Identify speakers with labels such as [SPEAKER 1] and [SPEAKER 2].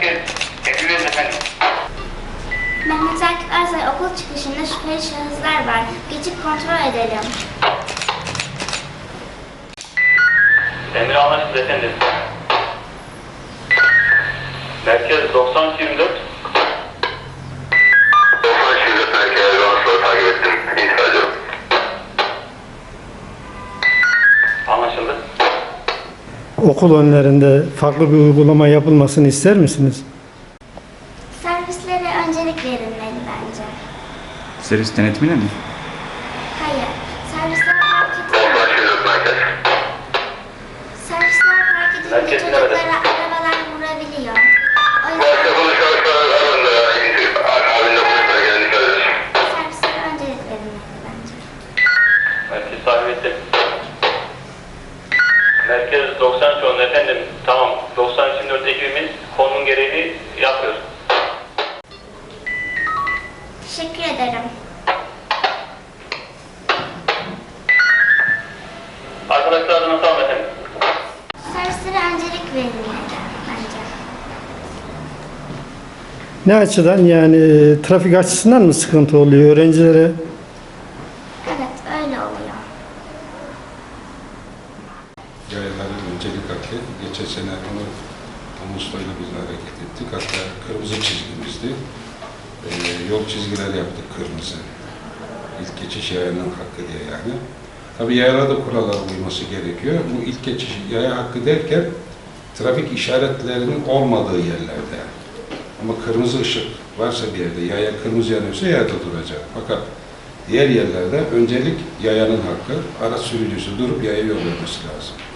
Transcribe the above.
[SPEAKER 1] Merkez, tekrar efendim.
[SPEAKER 2] Mehmet Akif Ersay okul çıkışında şüpheli şahıslar var. Geçip kontrol edelim.
[SPEAKER 1] Emir anlaşıldı efendim. Merkez 90-24.
[SPEAKER 3] 90 merkez rahatsızlığı takip ettim. İntikal ediyorum.
[SPEAKER 1] Anlaşıldı.
[SPEAKER 4] Okul önlerinde farklı bir uygulama yapılmasını ister misiniz?
[SPEAKER 2] Servislere öncelik verilmeli bence.
[SPEAKER 5] Servis denetimine mi?
[SPEAKER 2] Hayır. Servisler fark edince,
[SPEAKER 3] 90 merkez.
[SPEAKER 2] servisler fark edince
[SPEAKER 1] Merkez
[SPEAKER 2] çocuklara arabalar vurabiliyor. O yüzden
[SPEAKER 3] Başka şahıslar arasında akabinde polisler geldiğini söylüyoruz.
[SPEAKER 2] servislere öncelik verilmeli bence.
[SPEAKER 1] Merkez takip ettim. Merkez 90 efendim. Tamam. 90-24 ekibimiz konunun gereğini yapıyor.
[SPEAKER 2] Teşekkür ederim.
[SPEAKER 1] Arkadaşlar adına sağ olun efendim.
[SPEAKER 2] Servislere öncelik verilmeli bence.
[SPEAKER 4] Ne açıdan yani trafik açısından mı sıkıntı oluyor öğrencilere?
[SPEAKER 2] Evet, öyle oluyor.
[SPEAKER 6] Yayaların öncelik hakkı. Geçen sene onu Ağustos'ta biz hareket ettik. Hatta kırmızı çizgimizdi. Yol çizgileri yaptık kırmızı. İlk geçiş yayanın hakkı diye yani. Tabii yayalara da kurallara uyması gerekiyor. Bu ilk geçiş yaya hakkı derken trafik işaretlerinin olmadığı yerlerde. Ama kırmızı ışık varsa bir yerde, yaya kırmızı yanıyorsa yayada duracak. Fakat diğer yerlerde öncelik yayanın hakkı, araç sürücüsü durup yaya yol vermesi lazım.